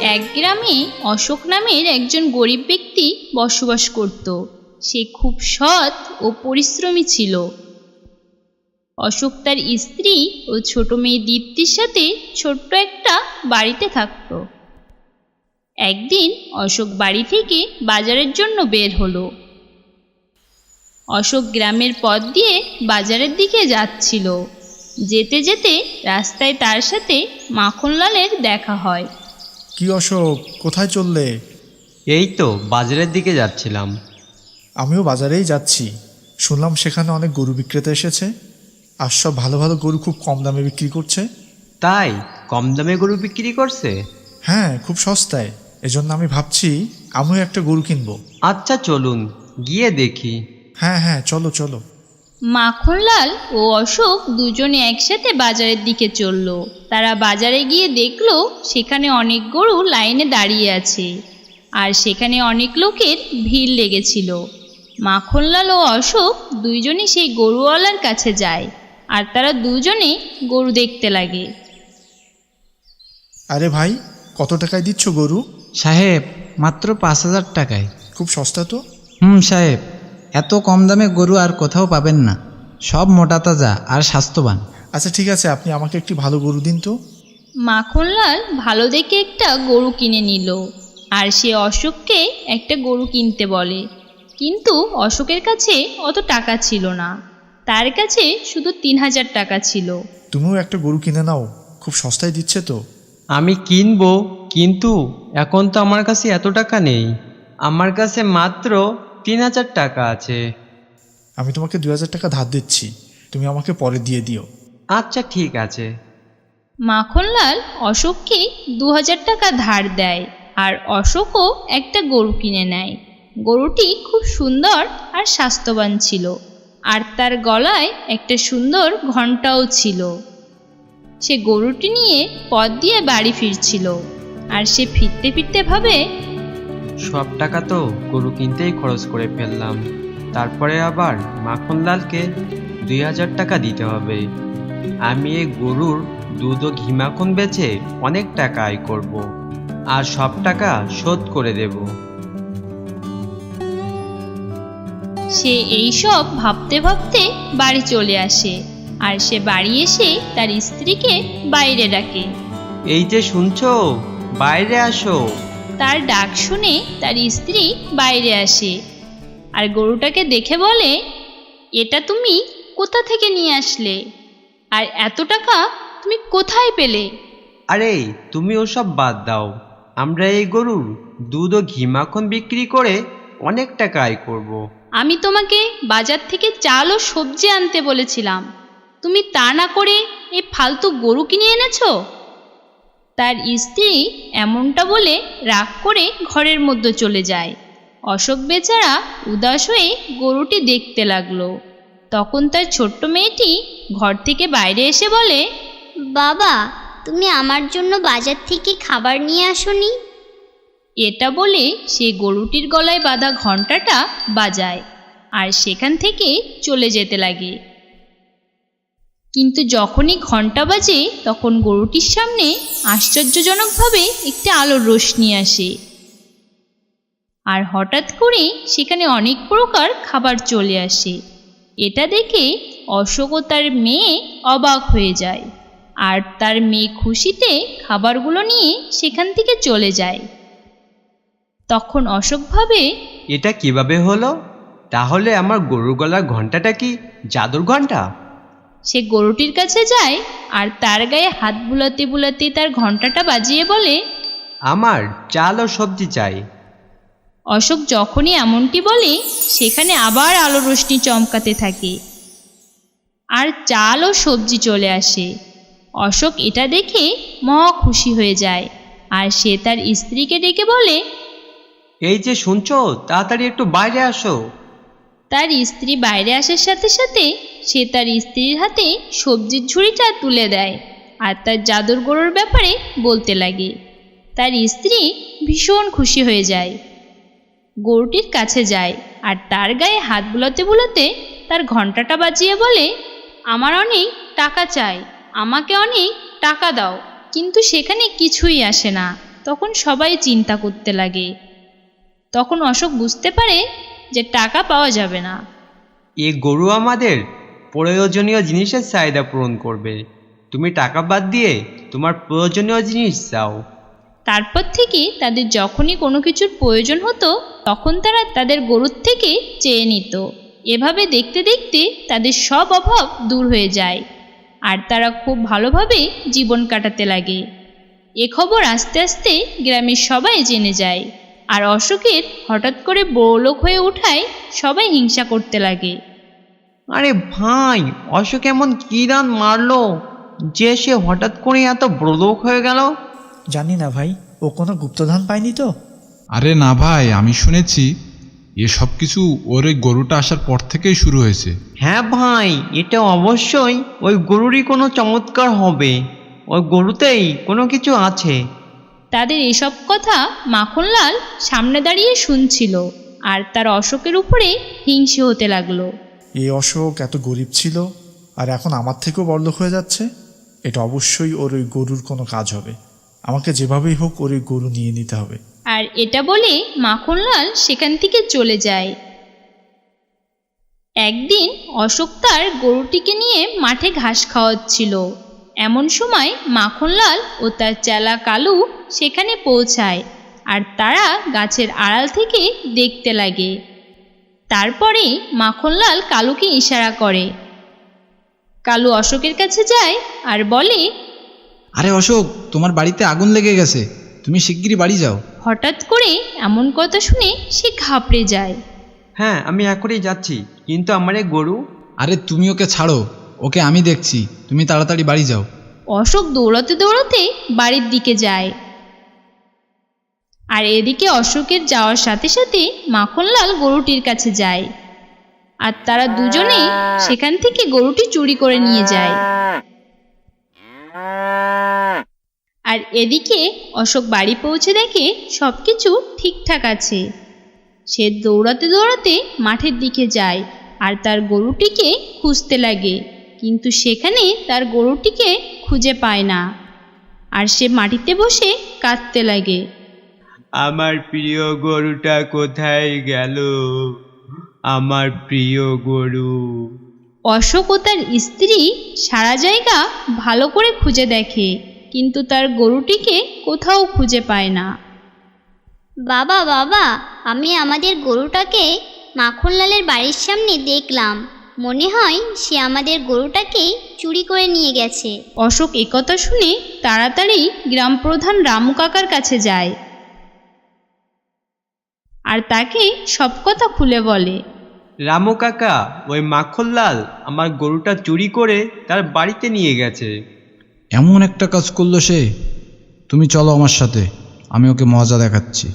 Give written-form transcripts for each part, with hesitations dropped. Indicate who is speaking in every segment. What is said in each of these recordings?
Speaker 1: এক গ্রামে অশোক নামের একজন গরিব ব্যক্তি বসবাস করত। সে খুব সৎ ও পরিশ্রমী ছিল। অশোক তার স্ত্রী ও ছোট মেয়ে দীপ্তির সাথে ছোট্ট একটা বাড়িতে থাকত। একদিন অশোক বাড়ি থেকে বাজারের জন্য বের হলো। অশোক গ্রামের পথ দিয়ে বাজারের দিকে যাচ্ছিল। যেতে যেতে রাস্তায় তার সাথে মাখনলালের দেখা হয়।
Speaker 2: কি অশোক, কোথায় চললে?
Speaker 3: এই তো বাজারের দিকে যাচ্ছিলাম।
Speaker 2: আমিও বাজারেই যাচ্ছি। শুনলাম সেখানে অনেক গরু বিক্রেতা এসেছে, আর সব ভালো ভালো গরু খুব কম দামে বিক্রি করছে।
Speaker 3: তাই কম দামে গরু বিক্রি করছে?
Speaker 2: হ্যাঁ, খুব সস্তায়। এজন্য আমি ভাবছি আমিও একটা গরু কিনবো।
Speaker 3: আচ্ছা চলুন গিয়ে দেখি।
Speaker 2: হ্যাঁ হ্যাঁ, চলো চলো।
Speaker 1: মাখনলাল ও অশোক দুজনে একসাথে বাজারের দিকে চলল। তারা বাজারে গিয়ে দেখলো সেখানে অনেক গরু লাইনে দাঁড়িয়ে আছে, আর সেখানে অনেক লোকের ভিড় লেগেছিল। মাখনলাল ও অশোক দুইজনই সেই গরুওয়ালার কাছে যায়, আর তারা দুজনে গরু দেখতে লাগে।
Speaker 2: আরে ভাই, কত টাকায় দিচ্ছ গরু?
Speaker 4: সাহেব, মাত্র 5,000 টাকায়।
Speaker 2: খুব সস্তা তো।
Speaker 4: সাহেব, এত কম দামে গরু আর কোথাও পাবেন না। সব মোটা তাজা আর স্বাস্থ্যবান।
Speaker 2: আচ্ছা ঠিক আছে, আপনি আমাকে একটি ভালো গরু দিন তো।
Speaker 1: মাখনলাল ভালো দেখে একটা গরু কিনে নিল, আর সে অশোককে একটা গরু কিনতে বলে। কিন্তু অশোকের কাছে অত টাকা ছিল না, তার কাছে শুধু 3,000 টাকা ছিল।
Speaker 2: তুমিও একটা গরু কিনে নাও, খুব সস্তায় দিচ্ছে তো।
Speaker 3: আমি কিনবো, কিন্তু এখন তো আমার কাছে এত টাকা নেই। আমার কাছে মাত্র 3,000 টাকা আছে।
Speaker 2: আমি তোমাকে 2,000 টাকা ধার দিচ্ছি, তুমি আমাকে পরে দিয়ে দিও।
Speaker 3: আচ্ছা ঠিক আছে।
Speaker 1: মাখনলাল অশোককে 2,000 টাকা ধার দেয়, আর অশোকও একটা গরু কিনে নেয়। গরুটি খুব সুন্দর আর স্বাস্থ্যবান ছিল, আর তার গলায় একটা সুন্দর ঘণ্টাও ছিল। সে গরুটি নিয়ে পথ দিয়ে বাড়ি ফিরছিল, আর সে ফিরতে ফিরতে ভাবে,
Speaker 3: সব টাকা তো গরু কিনতেই খরচ করে ফেললাম, তারপরে আবার মাখনলালকে 2,000 টাকা দিতে হবে। আমি এই গরুর দুধ ও ঘি মাখন বেচে অনেক টাকা আয় করব, আর সব টাকা শোধ করে দেব।
Speaker 1: সে এইসব ভাবতে ভাবতে বাড়ি চলে আসে, আর সে বাড়ি এসে তার স্ত্রীকে বাইরে ডাকে।
Speaker 3: এই যে শুনছো, বাইরে আসো।
Speaker 1: তার ডাক শুনে তার স্ত্রী বাইরে আসে, আর গরুটাকে দেখে বলে, এটা তুমি কোথা থেকে নিয়ে আসলে, আর এত টাকা তুমি কোথায় পেলে?
Speaker 3: আরে তুমি ওসব বাদ দাও, আমরা এই গরুর দুধ ও ঘি মাখন বিক্রি করে অনেক টাকা আয় করব।
Speaker 1: আমি তোমাকে বাজার থেকে চাল ও সবজি আনতে বলেছিলাম, তুমি তা না করে এই ফালতু গরু কিনে এনেছো। তার স্ত্রী এমনটা বলে রাগ করে ঘরের মধ্যে চলে যায়। অশোক বেচারা উদাস হয়ে গরুটি দেখতে লাগলো। তখন তার ছোট্ট মেয়েটি ঘর থেকে বাইরে এসে বলে,
Speaker 5: বাবা, তুমি আমার জন্য বাজার থেকে খাবার নিয়ে আসোনি?
Speaker 1: এটা বলে সে গরুটির গলায় বাঁধা ঘণ্টাটা বাজায়, আর সেখান থেকে চলে যেতে লাগে। কিন্তু যখনই ঘণ্টা বাজে, তখন গরুটির সামনে আশ্চর্যজনকভাবে একটি আলোর রোশনি আসে, আর হঠাৎ করে সেখানে অনেক প্রকার খাবার চলে আসে। এটা দেখে অশোক ও তার মেয়ে অবাক হয়ে যায়, আর তার মেয়ে খুশিতে খাবারগুলো নিয়ে সেখান থেকে চলে যায়। তখন অশোক ভাবে,
Speaker 3: এটা কিভাবে হলো? তাহলে আমার গরুর গলার ঘন্টাটা কি জাদুর ঘন্টা?
Speaker 1: সে গরুটির কাছে যায়, আর তার গায়ে হাত বুলাতে বুলাতে তার ঘণ্টাটা বাজিয়ে বলে,
Speaker 3: আমার চাল ও সবজি চাই।
Speaker 1: অশোক যখনই এমনটি বলে, সেখানে আবার আলো রোশনি চমকাতে থাকে, আর চাল ও সবজি চলে আসে। অশোক এটা দেখে মহা খুশি হয়ে যায়, আর সে তার স্ত্রীকে ডেকে বলে,
Speaker 3: এই যে শুনছো, তাড়াতাড়ি একটু বাইরে আসো।
Speaker 1: তার স্ত্রী বাইরে আসার সাথে সাথে সে তার স্ত্রীর হাতে সবজির ঝুড়িটা তুলে দেয়, আর তার জাদুর গরুর ব্যাপারে বলতে লাগে। তার স্ত্রী ভীষণ খুশি হয়ে যায়, গরুটির কাছে যায়, আর তার গায়ে হাত বুলাতে বুলাতে তার ঘণ্টাটা বাজিয়ে বলে, আমার অনেক টাকা চাই, আমাকে অনেক টাকা দাও। কিন্তু সেখানে কিছুই আসে না। তখন সবাই চিন্তা করতে লাগে। তখন অশোক বুঝতে পারে যে টাকা পাওয়া যাবে না।
Speaker 3: এই গরু আমাদের প্রয়োজনীয় জিনিসের চাহিদা পূরণ করবে। তুমি টাকা বাদ দিয়ে তোমার প্রয়োজনীয় জিনিস চাও।
Speaker 1: তারপর থেকে তাদের যখনই কোনো কিছুর প্রয়োজন হতো তখন তারা তাদের গরুর থেকে চেয়ে নিত। এভাবে দেখতে দেখতে তাদের সব অভাব দূর হয়ে যায় আর তারা খুব ভালোভাবে জীবন কাটাতে লাগে। এ খবর আস্তে আস্তে গ্রামের সবাই জেনে যায় আর অশোকের হঠাৎ করে বড়লোক হয়ে ওঠায় সবাই হিংসা করতে লাগে।
Speaker 3: আরে ভাই, অশোক এমন কি দান মারলো যে সে হঠাৎ করে এত বড়লোক হয়ে গেল?
Speaker 2: জানি না ভাই, ও কোনো গুপ্তধন পায়নি তো?
Speaker 6: আরে না ভাই, আমি শুনেছি এসব কিছু ওর ওই গরুটা আসার পর থেকেই শুরু হয়েছে।
Speaker 3: হ্যাঁ ভাই, এটা অবশ্যই ওই গরুরই কোনো চমৎকার হবে। ওই গরুতেই কোনো কিছু আছে।
Speaker 1: তাদের এসব কথা মাখনলাল সামনে দাঁড়িয়ে শুনছিল আর তার অশোকের উপরে হিংসে হতে লাগলো।
Speaker 2: এই অশোক এত গরিব ছিল আর এখন আমার থেকেও বড়লোক হয়ে যাচ্ছে। এটা অবশ্যই ওর ওই গরুর কোনো কাজ হবে। আমাকে যেভাবেই হোক ওর ওই গরু নিয়ে নিতে হবে।
Speaker 1: আর এটা বলে মাখনলাল সেখান থেকে চলে যায়। একদিন অশোক তার গরুটিকে নিয়ে মাঠে ঘাস খাওয়াচ্ছিল। এমন সময় মাখনলাল ও তার চেলা কালু সেখানে পৌঁছায় আর তারা গাছের আড়াল থেকে দেখতে লাগে। তারপরে মাখনলাল কালুকে ইশারা করে। কালু অশোকের কাছে যায় আর বলে,
Speaker 4: আরে অশোক, তোমার বাড়িতে আগুন লেগে গেছে, তুমি শিগগিরই বাড়ি যাও।
Speaker 1: হঠাৎ করে এমন কথা শুনে সে ঘাবড়ে যায়।
Speaker 3: হ্যাঁ, আমি এখনই যাচ্ছি, কিন্তু আমার এই গরু।
Speaker 4: আরে তুমি ওকে ছাড়ো, ওকে আমি দেখছি, তুমি তাড়াতাড়ি বাড়ি যাও।
Speaker 1: অশোক দৌড়াতে দৌড়াতে বাড়ির দিকে যায় আর এদিকে অশোকের যাওয়ার সাথে সাথে মাখনলাল গরুটির কাছে যায় আর তারা দুজনে সেখান থেকে গরুটি চুরি করে নিয়ে যায়। আর এদিকে অশোক বাড়ি পৌঁছে দেখে সবকিছু ঠিকঠাক আছে। সে দৌড়াতে দৌড়াতে মাঠের দিকে যায় আর তার গরুটিকে খুঁজতে লাগে, কিন্তু সেখানে তার গরুটিকে খুঁজে পায় না আর সে মাটিতে বসে কাঁদতে লাগে।
Speaker 3: আমার প্রিয় গরুটা কোথায় গেল? আমার প্রিয় গরু।
Speaker 1: অশোক ও তার স্ত্রী সারা জায়গা ভালো করে খুঁজে দেখে, কিন্তু তার গরুটিকে কোথাও খুঁজে পায় না।
Speaker 5: বাবা বাবা, আমি আমাদের গরুটাকে মাখনলালের বাড়ির সামনে দেখলাম। মনে হয় সে আমাদের গরুটাকে চুরি করে নিয়ে গেছে।
Speaker 1: অশোক একথা শুনে তাড়াতাড়ি গ্রাম প্রধান রামু কাকার কাছে যায় আর তাকে সব কথা খুলে বলে।
Speaker 3: রামু কাকা, ওই মাখনলাল আমার গরুটা চুরি করে তার বাড়িতে নিয়ে গেছে।
Speaker 4: এমন একটা কাজ করলো সে। তুমি চলো আমার সাথে, আমি ওকে মজা দেখাচ্ছি।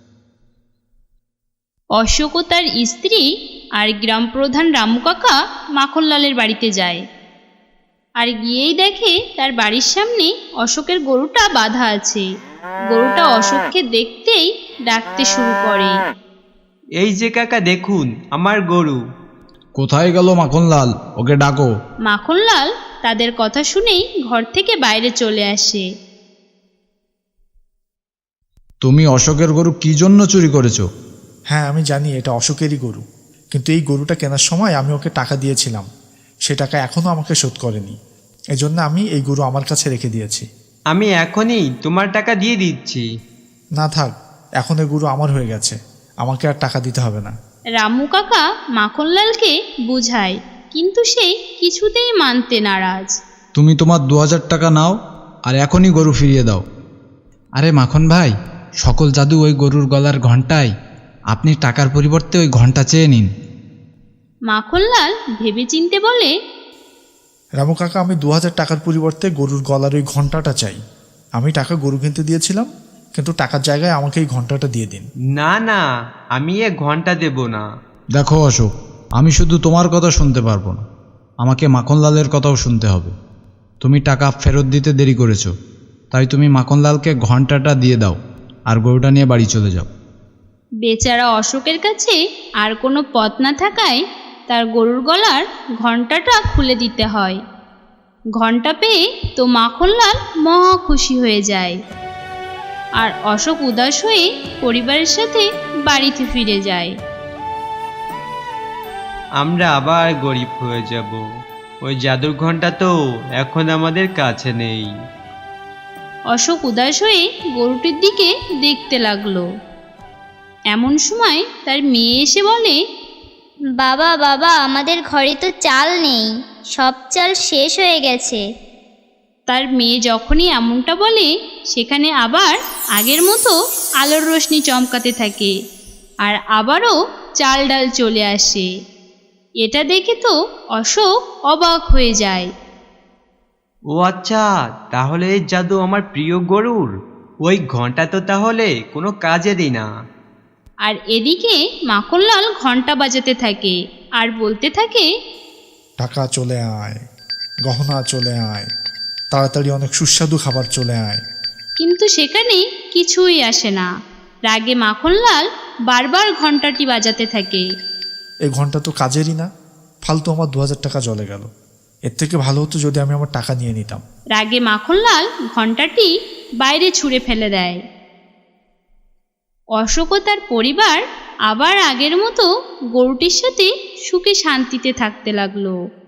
Speaker 1: অশোক ও তার স্ত্রী আর গ্রাম প্রধান রামু কাকা মাখনলালের বাড়িতে যায় আর গিয়েই দেখে তার বাড়ির সামনে অশোকের গরুটা বাঁধা আছে। গরুটা অশোককে দেখতেই ডাকতে শুরু করে।
Speaker 3: এই যে কাকা, দেখুন আমার গরু।
Speaker 4: কোথায় গেল মাখনলাল? ওকে ডাকো।
Speaker 1: মাখনলাল তাদের কথা শুনেই ঘর থেকে বাইরে চলে আসে।
Speaker 4: তুমি অশোকের গরু কি জন্য চুরি করেছো?
Speaker 2: হ্যাঁ, আমি জানি এটা অশোকেরই গরু, কিন্তু এই গরুটা কেনার সময় আমি ওকে টাকা দিয়েছিলাম। সে টাকা এখনও আমাকে শোধ করেনি। এজন্য আমি এই গরু আমার কাছে রেখে দিয়েছি।
Speaker 3: আমি এখনই তোমার টাকা দিয়ে দিচ্ছি।
Speaker 2: না থাক, এখন এই গরু আমার হয়ে গেছে, আমাকে আর টাকা দিতে হবে না।
Speaker 1: রামু কাকা মাখনলালকে বুঝায়, কিন্তু সে কিছুতেই মানতে নারাজ।
Speaker 4: তুমি তোমার 2000 টাকা নাও আর এখনই গরু ফিরিয়ে দাও। আরে মাখন ভাই, সকল জাদু ওই গরুর গলার ঘণ্টায়, আপনি টাকার পরিবর্তে ওই ঘণ্টা চেয়ে নিন।
Speaker 1: মাখনলাল ভেবেচিন্তে বলে,
Speaker 2: রামু কাকা, আমি 2000 টাকার পরিবর্তে গরুর গলার ওই ঘন্টাটা চাই। আমি টাকা গরু কিনতে দিয়েছিলাম, কিন্তু টাকার জায়গায় আমাকে এই ঘন্টাটা দিয়ে দিন।
Speaker 3: না না, আমি এ ঘন্টা দেব না।
Speaker 4: দেখো অশোক, আমি শুধু তোমার কথা শুনতে পারবো না, আমাকে মাখনলালের কথাও শুনতে হবে। তুমি টাকা ফেরত দিতে দেরি করেছো, তাই তুমি মাখনলালকে ঘন্টাটা দিয়ে দাও আর গরুটা নিয়ে বাড়ি চলে যাও।
Speaker 1: বেচারা অশোকের কাছে আর কোনো পথ না থাকায় তার গরুর গলার ঘণ্টাটা খুলে দিতে হয়। ঘণ্টা পেয়ে তো মাখনলাল মহা খুশি হয়ে যায় আর অশোক উদাস হয়ে পরিবারের সাথে বাড়িতে ফিরে যায়।
Speaker 3: আমরা আবার গরিব হয়ে যাব। ওই জাদুর ঘন্টা তো এখন আমাদের কাছে নেই।
Speaker 1: অশোক উদাস হয়ে গরুটির দিকে দেখতে লাগলো। এমন সময় তার মেয়ে এসে বলে,
Speaker 5: বাবা বাবা, আমাদের ঘরে তো চাল নেই, সব চাল শেষ হয়ে গেছে।
Speaker 1: তার মেয়ে যখনই এমনটা বলে সেখানে আবার আগের মতো আলোর রোশনি চমকাতে থাকে আর আবারও চাল ডাল চলে আসে। এটা দেখে তো অশোক অবাক হয়ে যায়।
Speaker 3: ও আচ্ছা, তাহলে এই জাদু আমার প্রিয় গরুর। ওই ঘন্টা তো তাহলে কোনো কাজেরই না।
Speaker 1: আর এদিকে মাখনলাল ঘন্টা বাজাতে থাকে আর বলতে থাকে,
Speaker 2: টাকা চলে আয়, গহনা চলে আয়, তাড়াতাড়ি অনেক সুস্বাদু খাবার চলে আয়।
Speaker 1: কিন্তু সেখানে কিছুই আসে না। রাগে মাখনলাল বারবার ঘন্টাটি বাজাতে থাকে।
Speaker 2: এই ঘন্টা তো কাজেরই না, ফালতু আমার 2000 টাকা জলে গেল। এর থেকে ভালো হতো যদি আমি আমার টাকা নিয়ে নিতাম।
Speaker 1: রাগে মাখনলাল ঘন্টাটি বাইরে ছুঁড়ে ফেলে দেয়। অশোক ও তার পরিবার আবার আগের মতো গরুটির সাথে সুখে শান্তিতে থাকতে লাগলো।